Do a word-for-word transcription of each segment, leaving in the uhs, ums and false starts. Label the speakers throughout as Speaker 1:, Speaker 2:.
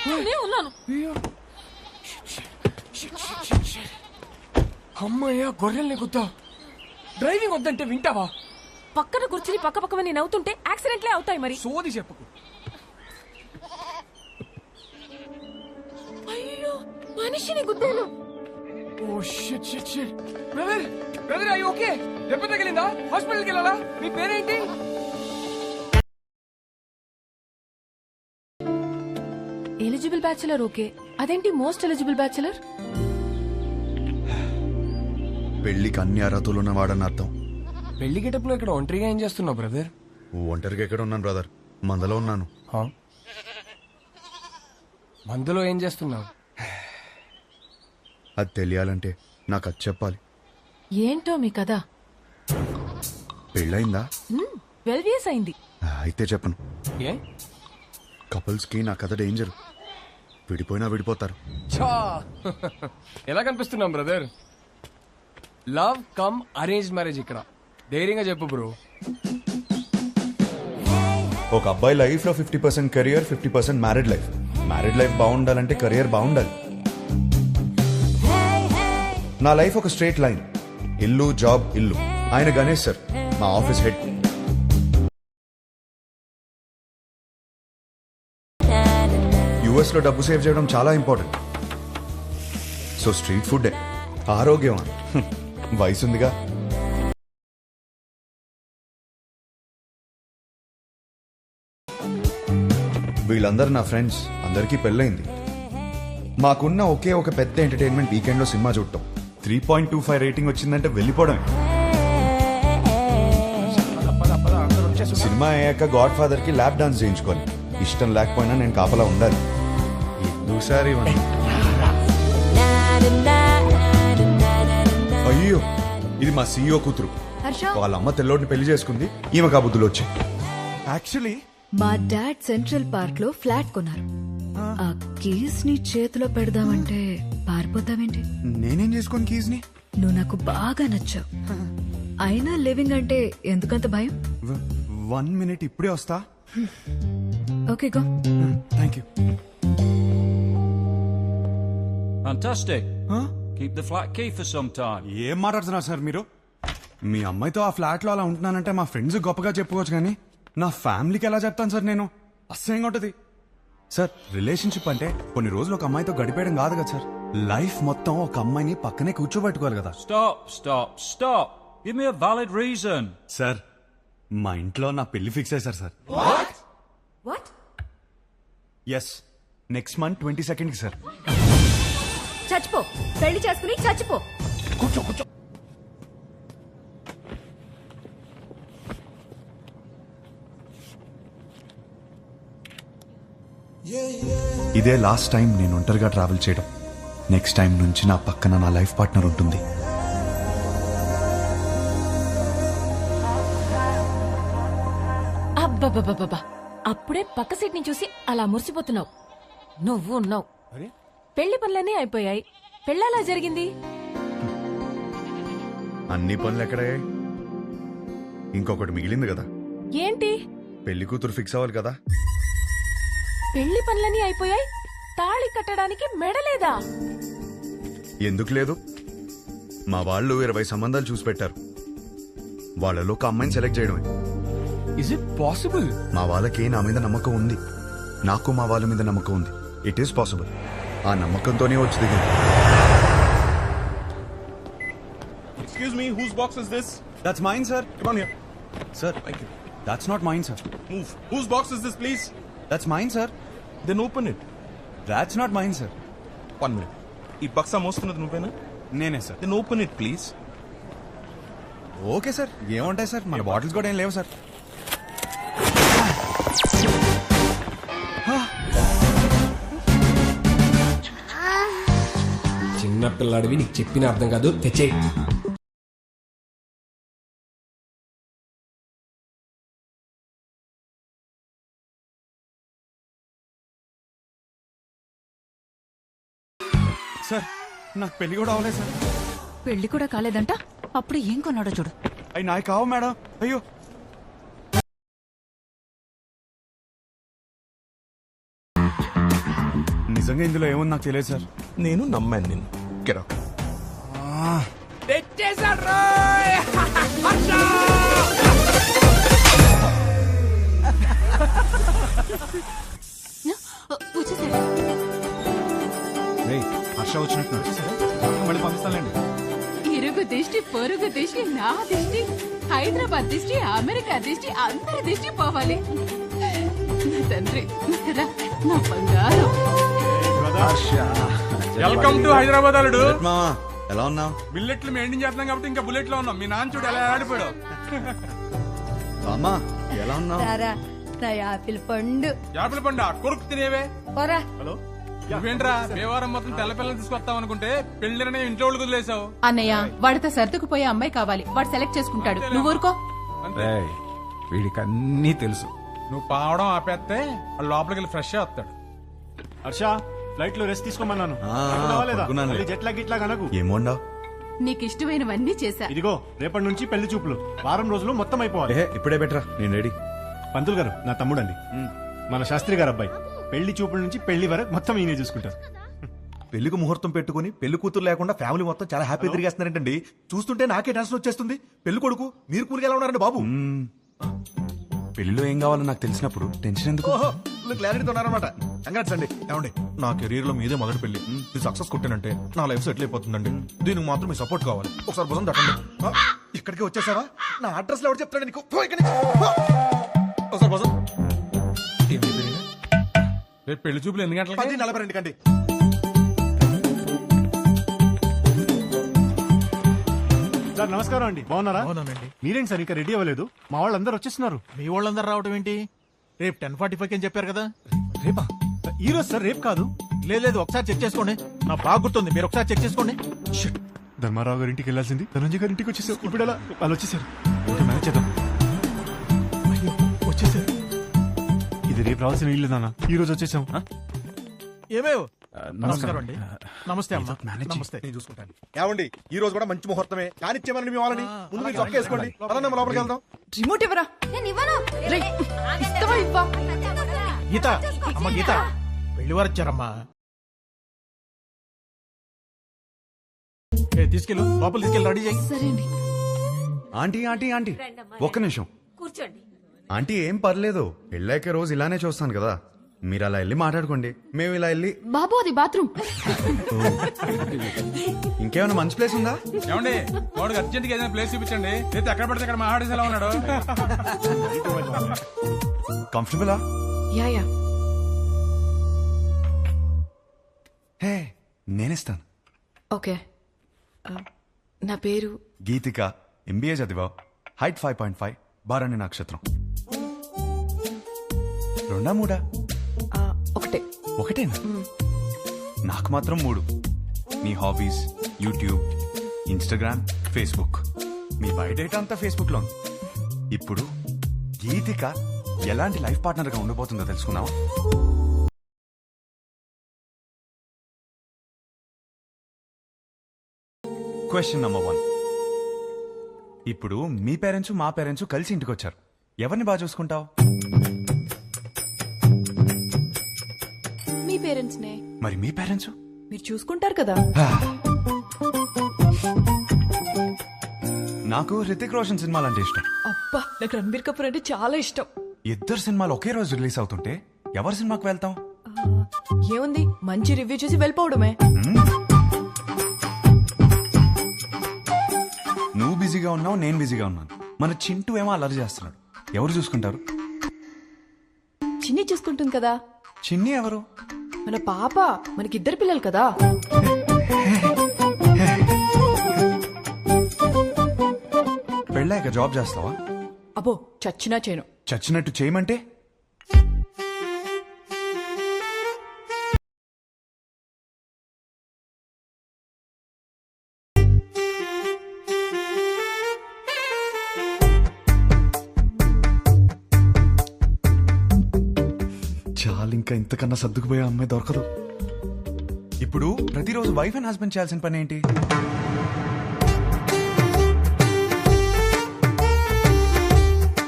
Speaker 1: నేనే ఉన్నాను.
Speaker 2: అమ్మయ్యా గొర్రెల్ని గుద్దా. డ్రైవింగ్ వద్దంటే వింటావా?
Speaker 1: పక్కన కూర్చుని పక్క పక్కన నేను అవుతుంటే యాక్సిడెంట్లే అవుతాయి మరి.
Speaker 2: సోది చెప్పకు.
Speaker 1: అయ్యో మనిషిని గుద్దాను.
Speaker 2: Oh shit shit shit. Brother brother అయ్యి ఓకే? దెబ్బ తగిలిందా? హాస్పిటల్కి వెళ్ళాలా? మీ పేరేంటి?
Speaker 1: ఎలిజిబుల్ బ్యాచులర్ ఓకే, అదేంటి మోస్ట్ ఎలిజిబుల్ బ్యాచులర్?
Speaker 3: పెళ్లికి అన్ని అర్హతలు ఉన్నవాడని అర్థం.
Speaker 2: పెళ్లి గెటప్లో ఇక్కడ ఒంటరిగా ఏం చేస్తున్నావు బ్రదర్?
Speaker 3: ఒంటరిగా ఎక్కడ ఉన్నాను బ్రదర్, మందలో ఉన్నాను.
Speaker 2: మందులో ఏం చేస్తున్నావు?
Speaker 3: అది తెలియాలంటే నాకు అది చెప్పాలి.
Speaker 1: ఏంటో మీ కదా?
Speaker 3: పెళ్ళయిందా?
Speaker 1: ట్వెల్వ్ ఇయర్స్ అయింది.
Speaker 3: అయితే చెప్పను.
Speaker 2: ఏ?
Speaker 3: కపుల్స్ కి నా కథ డేంజర్. విడిపోయినా విడిపోతారు.
Speaker 2: ఛా! ఎలా కనిపిస్తున్నాం brother? Love come arrange marriage ఇక్కడ. ధైర్యంగా చెప్పు బ్రో.
Speaker 3: ఒక అబ్బాయి లైఫ్ లో fifty percent career, fifty percent married life. Married life బాగుండాలంటే కెరియర్ బాగుండాలి. నా లైఫ్ ఒక స్ట్రేట్ లైన్. ఇల్లు, జాబ్, ఇల్లు. ఆయన గణేష్ సార్, మా ఆఫీస్ హెడ్. యుఎస్ లో డబ్బు సేవ్ చేయడం చాలా ఇంపార్టెంట్. సో స్ట్రీట్ ఫుడ్ ఆరోగ్యం. వయసుందిగా. వీళ్ళందరూ నా ఫ్రెండ్స్. అందరికీ పెళ్ళైంది. మాకున్న ఒకే ఒక పెద్ద ఎంటర్టైన్మెంట్ వీకెండ్ లో సినిమా చూడటం. Three point two five rating వచ్చిందంటే వెళ్ళిపోవడమే. సినిమా అయ్యాక గాడ్ ఫాదర్ కి ల్యాప్ డాన్స్ చేయించుకోవాలి. ఇష్టం లేకపోయినా నేను కాపలా ఉండాలి. ఎందుసారి అయ్యో, ఇది మా సీఈఓ కూతురు. వాళ్ళ అమ్మ తెల్లోడిని పెళ్లి చేసుకుంది. ఈమె కాబుద్దులు వచ్చాయి.
Speaker 4: యాక్చువల్లీ
Speaker 5: మా డాడ్ సెంట్రల్ పార్క్ లో ఫ్లాట్ కొన్నారు. ఆ కీస్ ని చేతిలో పెడదామంటే పారిపోతావేంటి?
Speaker 4: నేనేం చేసుకోను కీస్ ని.
Speaker 5: నువ్వు నాకు బాగా నచ్చావు. అయినా లివింగ్ అంటే ఎందుకంత భయం?
Speaker 4: వన్ మినిట్, ఇప్పుడే వస్తా.
Speaker 5: Okay go.
Speaker 4: Thank you.
Speaker 6: Fantastic. Keep the flat key for some time.
Speaker 4: ఏం మాట్లాడుతున్నారు సార్ మీరు? మీ అమ్మాయితో ఆ ఫ్లాట్ లో అలా ఉంటున్నానంటే మా ఫ్రెండ్స్ గొప్పగా చెప్పుకోవచ్చు, కానీ నా ఫ్యామిలీకి ఎలా చెప్తాను సార్ నేను? అసహ్యంగా ఉంటది సార్. రిలేషన్షిప్ అంటే కొన్ని రోజులు ఒక అమ్మాయితో గడిపేయడం కాదు కదా సార్. లైఫ్ మొత్తం ఒక అమ్మాయిని పక్కనే కూర్చోబెట్టుకోవాలి కదా.
Speaker 6: Stop, stop, stop. Give me a valid reason.
Speaker 4: Sir, మా ఇంట్లో నా పెళ్లి ఫిక్స్ అయ్యారు sir.
Speaker 5: What?
Speaker 4: Yes, next month twenty second కి సార్.
Speaker 5: చచ్చిపో, పెళ్లి చేసుకుని చచ్చిపో.
Speaker 4: కూర్చో కూర్చో. ఇదే లాస్ట్ టైం నేను ఒంటరిగా ట్రావెల్ చేయడం. నెక్స్ట్ టైం నుంచి నా పక్కన నా లైఫ్ పార్ట్నర్ ఉంటుంది.
Speaker 1: అబ్బబ్బబ్బబ్బా, అప్పుడే పక్క సీట్ ని చూసి అలా మురిసిపోతున్నావు. నువ్వు ఉన్నావు. పెళ్లి పనులన్నీ అయిపోయాయి. పెళ్ళలా జరిగింది.
Speaker 3: అన్ని పనులు ఎక్కడయ్యాయి? ఇంకొకటి మిగిలింది కదా.
Speaker 1: ఏంటి?
Speaker 3: పెళ్లి కూతురు ఫిక్స్ అవ్వాలి కదా.
Speaker 1: పెళ్లి పనులన్నీ అయిపోయాయి, తాళి కట్టడానికి మెడలేదా?
Speaker 3: ఎందుకు లేదు? మా వాళ్ళు ఇరవై సంబంధాలు చూసి పెట్టారు. వాళ్ళలో ఒక అమ్మాయిని సెలెక్ట్ చేయడమే.
Speaker 2: Is it possible?
Speaker 3: మా వాళ్ళకి నా మీద నమ్మకం ఉంది. నాకు మా వాళ్ళ మీద నమ్మకం ఉంది. It is possible. ఆ నమ్మకంతోనే వచ్చి దిగింది.
Speaker 7: Excuse me, whose box is this?
Speaker 4: That's mine, sir.
Speaker 7: Come on here.
Speaker 4: Sir,
Speaker 7: Thank you.
Speaker 4: that's not mine, sir.
Speaker 7: Move. Whose box is this, please?
Speaker 4: That's mine, sir.
Speaker 7: Then open it.
Speaker 4: That's not mine, sir.
Speaker 7: One minute. ఈ బక్సా మోస్తున్నది నువ్వేనా?
Speaker 4: నేనే సార్.
Speaker 7: Then open it, please.
Speaker 4: Okay sir, ఏముంటాయి sir, మన bottles కూడా ఏం లేవు సార్.
Speaker 2: చిన్న పిల్లాడివి, నీకు చెప్పిన అర్థం కాదు. తెచ్చేయి.
Speaker 4: సార్, నాకు పెళ్లి కూడా అవ్వలేదు సార్.
Speaker 5: పెళ్లి కూడా కాలేదంట. అప్పుడు ఏం కొన్నాడో చూడు.
Speaker 4: అవి నాకు కావు మేడం. అయ్యో, నిజంగా ఇందులో ఏముంది నాకు తెలియదు సార్.
Speaker 7: నేను నమ్మాను నిన్ను. కెరాక్.
Speaker 4: రేయ్, హర్ష వచ్చినట్టు మళ్ళీ పంపిస్తానండి.
Speaker 8: ఇరుగు దిష్టి పొరుగు దిష్టి నా దిష్టి హైదరాబాద్ దిష్టి అమెరికా దిష్టి అందరి దిష్టి పోవాలి. నా తండ్రి రా, నా బంగారం.
Speaker 4: వెల్కమ్ టు హైదరాబాద్ అల్లుడు.
Speaker 3: మామా ఎలా ఉన్నావు?
Speaker 4: బిల్లెట్లు మెయింటైన్ చేస్తున్నాం కాబట్టి ఇంకా బుల్లెట్ లో ఉన్నాం. మీ నాన్న చూడు ఎలా ఆడిపోయాడు.
Speaker 3: అమ్మా ఎలా ఉన్నావు?
Speaker 8: నా యాపిల్ పండు
Speaker 4: యాపిల్ పండు కొరుకు తినేవే.
Speaker 8: పోరా.
Speaker 4: హలో, నువ్వేంట్రా దేవారం మొత్తం తెల్ల పిల్లలు తీసుకొస్తావు అనుకుంటే పెళ్లిరనే ఇంట్లో వాళ్ళకి వదిలేసావు.
Speaker 8: అన్నయ్య వాడితో సర్దుకుపోయే అమ్మాయి కావాలి, వాడు సెలెక్ట్ చేసుకుంటాడు, నువ్వు ఊరుకో.
Speaker 4: వీడికి అన్నీ తెలుసు. నువ్వు పావడం ఆపేస్తే వాడు లోపలికి వెళ్ళి ఫ్రెష్ వస్తాడు.
Speaker 9: హర్ష ఫ్లైట్ లో రెస్ట్ తీసుకోమన్నాను.
Speaker 3: ఆ,
Speaker 9: కావాలేదా?
Speaker 3: పడుకున్నానులే.
Speaker 9: మళ్ళీ జెట్ లాగ్ ఇట్లా కనకు.
Speaker 3: ఏమోండావు?
Speaker 8: నీకు ఇష్టమైనవన్నీ చేశా.
Speaker 9: ఇదిగో రేపటి నుంచి పెళ్లి చూపులు వారం రోజులు మొత్తం అయిపోవాలి.
Speaker 3: ఏ ఇప్పుడే బెటరా, నేను రెడీ.
Speaker 9: పంతులు గారు నా తమ్ముడండి, మన శాస్త్రి గారు అబ్బాయి. పెళ్లి చూపుల నుంచి పెళ్లి వరకు మొత్తం ఈయనే చూసుకుంటారు.
Speaker 10: పెళ్లికి ముహూర్తం పెట్టుకుని పెళ్లి కూతురు లేకుండా ఫ్యామిలీ మొత్తం చాలా హ్యాపీ తిరిగేస్తున్నారంటండి. చూస్తుంటే నాకే టెన్షన్ వచ్చేస్తుంది. పెళ్లి కొడుకు మీరు కూలికి ఎలా ఉన్నారండి బాబు?
Speaker 4: పెళ్లిలో ఏం కావాలో నాకు తెలిసినప్పుడు టెన్షన్ ఎందుకు?
Speaker 10: క్లారిటీతో ఉన్నారనమాట. కంగ్రాట్స్ అండి. ఏమండి నా కెరీర్ లో మీదే మొదటి పెళ్లి. ఇది సక్సెస్ కొట్టానంటే నా లైఫ్ సెటిల్ అయిపోతుందండి. దీనికి మాత్రం మీ సపోర్ట్ కావాలి. ఒకసారి భుజం తట్టండి. ఆ, ఇక్కడికి వచ్చేసావా? నా అడ్రస్ లో ఎవరు చెప్తాడు నీకు? పో ఇక్కడి నుంచి. పో. ఒకసారి భుజం.
Speaker 4: రేపు పెళ్లి చూపులు ఎన్ని గంటలకి?
Speaker 10: పది నలభై రెండు కండి.
Speaker 9: సార్ నమస్కారం అండి, బాగున్నారా?
Speaker 10: అవునండి.
Speaker 9: మీరేంటి సార్ ఇంకా రెడీ అవ్వలేదు? మా వాళ్ళందరూ వచ్చేస్తున్నారు.
Speaker 10: మీ వాళ్ళందరూ రావడం ఏంటి? రేపు టెన్ ఫార్టీ ఫైవ్ అని చెప్పారు కదా.
Speaker 9: రేపా? ఈ రోజు సార్, రేపు కాదు.
Speaker 10: లేదు లేదు, ఒకసారి చెక్ చేసుకోండి. నా బాగా గుర్తుంది, మీరు ఒకసారి చెక్ చేసుకోండి.
Speaker 9: Shit. ధర్మారావు గారి ఇంటికి వెళ్ళాల్సింది ధనంజయ్ గారి ఇంటికి వచ్చేసారు. ఇప్పుడు ఎలా? వాళ్ళు వచ్చేసారు. ఓకే మేనేజ్ చేద్దాం.
Speaker 10: అయ్యో, వచ్చేసారు.
Speaker 9: ఇది రేపు రావాల్సిన ఇల్లు నాన్న, ఈ రోజు వచ్చేసాం.
Speaker 10: ఏమేవ్ నమస్కారం అండి. నమస్తే అమ్మా.
Speaker 4: మేనేజ్
Speaker 10: నమస్తే, నేను చూసుకుంటాను. ఏమండి ఈ రోజు కూడా మంచి ముహూర్తమే. కానిచ్చేమని మీ వాళ్ళని ముందు మీరు చొక్క వేసుకోండి. అలా మనం లోపలికి వెళ్దాం.
Speaker 5: రిమోట్ ఇవ్వరా. రేయ్, ఇస్తావా ఇవ్వా?
Speaker 10: గీత, అమ్మ గీత, పెళ్లి వారు వచ్చారమ్మా. ఏ, తీసుకెళ్ళు లోపల తీసుకెళ్ళి రెడీ చేయి.
Speaker 5: సరే అండి.
Speaker 3: ఆంటీ ఆంటీ ఆంటీ ఒక్క నిమిషం.
Speaker 1: కూర్చోండి.
Speaker 3: ఆంటీ ఏం పర్లేదు, పెళ్ళాక రోజు ఇలానే చూస్తాను కదా. మీరు అలా వెళ్ళి మాట్లాడుకోండి, మేము ఇలా వెళ్ళి.
Speaker 8: బాబు అది బాత్రూమ్.
Speaker 3: ఇంకేమైనా మంచి ప్లేస్ ఉందా?
Speaker 4: ఏమండి వాడికి అర్జెంట్ గా ఏదైనా ప్లేస్ చూపించండి. అయితే ఎక్కడ పడితే అక్కడ మాట్లాడేసి ఎలా ఉన్నాడు?
Speaker 3: కంఫర్టబులా?
Speaker 5: Yeah yeah.
Speaker 3: హే, నేనిస్తాను.
Speaker 5: ఓకే. ఆ, నా పేరు
Speaker 3: గీతిక, ఎంబీఏ చదివా, height five point five, Bharani నక్షత్రం. రెండా మూడా?
Speaker 5: ఆ, ఒకటే.
Speaker 3: ఒకటేనా? నాకు మాత్రం మూడు. మీ హాబీస్, యూట్యూబ్, ఇన్స్టాగ్రామ్, ఫేస్బుక్. మీ బయోడేటా అంతా ఫేస్బుక్ లో ఉంది. ఇప్పుడు గీతిక ఎలాంటి లైఫ్ పార్ట్నర్ గా ఉండబోతుందో తెలుసుకున్నావా? Question number one. ఇప్పుడు మీ పేరెంట్స్ మా పేరెంట్స్ కలిసి ఇంటికి వచ్చారు. ఎవరిని బాగా చూసుకుంటావు?
Speaker 5: మీ పేరెంట్స్ నే.
Speaker 3: మరి మీ పేరెంట్స్?
Speaker 5: మీరు చూసుకుంటారు కదా.
Speaker 3: నాకు హృతిక్ రోషన్ సినిమాలు అంటే ఇష్టం.
Speaker 5: అబ్బా, నాకు రణబీర్ కపూర్ అంటే చాలా ఇష్టం.
Speaker 3: ఇద్దరు సినిమాలు ఒకే రోజు రిలీజ్ అవుతుంటే ఎవరి సినిమాకి వెళ్తాం?
Speaker 5: ఏముంది, మంచి రివ్యూ చూసి వెళ్ళిపోవడమే.
Speaker 3: నువ్వు బిజీగా ఉన్నావు, నేను బిజీగా ఉన్నాను. మన చింటూ ఏమో అలర్జీ చేస్తున్నాడు. ఎవరు చూసుకుంటారు?
Speaker 5: చిన్ని చూసుకుంటుంది కదా.
Speaker 3: చిన్ని ఎవరు?
Speaker 5: మన పాప. మనకిద్దరు పిల్లలు కదా.
Speaker 3: పెళ్ళాక జాబ్ చేస్తావా?
Speaker 5: అబ్బో, చచ్చినా చేయను.
Speaker 3: చచ్చినట్టు చేయమంటే? చాలు, ఇంకా ఇంతకన్నా సర్దుకుపోయే అమ్మాయి దొరకదు. ఇప్పుడు ప్రతిరోజు వైఫ్ అండ్ హస్బెండ్ చేయాల్సిన పని ఏంటి?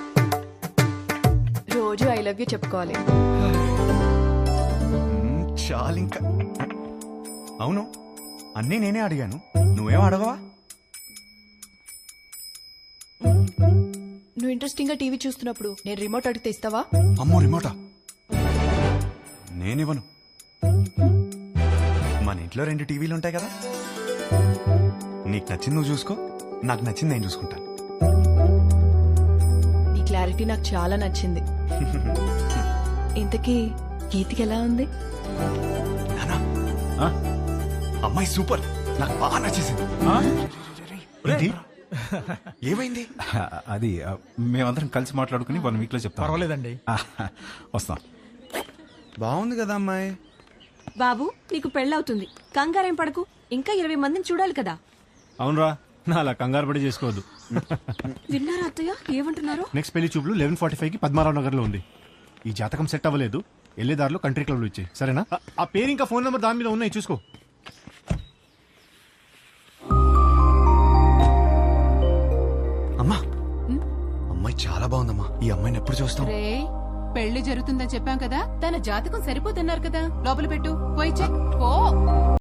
Speaker 5: రోజు ఐ లవ్ యూ చెప్పుకోవాలి.
Speaker 4: చాలు ఇంకా. అవును, అన్నీ నేనే అడిగాను, నువ్వేం అడగవా?
Speaker 5: నువ్వు ఇంట్రెస్టింగ్ గా టీవీ చూస్తున్నప్పుడు నేను రిమోట్ అడిగితే ఇస్తావా?
Speaker 4: అమ్మో రిమోటా? నేనివ్వను. మన ఇంట్లో రెండు టీవీలు ఉంటాయి కదా, నీకు నచ్చింది నువ్వు చూసుకో, నాకు నచ్చింది నేను చూసుకుంటాను.
Speaker 5: నీ క్లారిటీ నాకు చాలా నచ్చింది. ఇంతకీ గీతికి ఎలా ఉంది?
Speaker 4: నానా, అమ్మాయి సూపర్, నాకు బాగా నచ్చేసింది.
Speaker 9: ఏంటి?
Speaker 4: ఏమైంది?
Speaker 6: అది ఆ, మేమందరం కలిసి మాట్లాడుకుని వన్ వీక్ లో చెప్తాం.
Speaker 10: పర్వాలేదండి.
Speaker 6: ఆ, వస్తాం.
Speaker 4: బాగుంది కదా అమ్మాయి.
Speaker 1: బాబు నీకు పెళ్ళవుతుంది, కంగారేం పడకు, ఇంకా ఇరవై మందిని చూడాలి కదా.
Speaker 9: అవునరా, నా అలా కంగారు పడి చేసుకోవద్దు.
Speaker 1: విన్నారా అత్తయ్య ఏమంటున్నారు?
Speaker 9: నెక్స్ట్ పెళ్లి చూపులు లెవెన్ ఫార్టీ ఫైవ్ కి పద్మారావు నగర్ లో ఉంది. ఈ జాతకం సెట్ అవ్వలేదు, వెళ్లే దారిలో కంట్రీ క్లబ్ లో ఇచ్చాయి, సరేనా? ఆ- ఆ పేరు ఇంకా ఫోన్ నెంబర్ దాని మీద ఉన్నాయి, చూసుకో.
Speaker 4: అమ్మా, అమ్మాయి చాలా బాగుందమ్మా. ఈ అమ్మాయిని ఎప్పుడు చూస్తాం?
Speaker 8: రే పెళ్లి జరుగుతుందని చెప్పాం కదా, తన జాతకం సరిపోతున్నారు కదా, లోపల పెట్టు, పోయి చెక్ పో.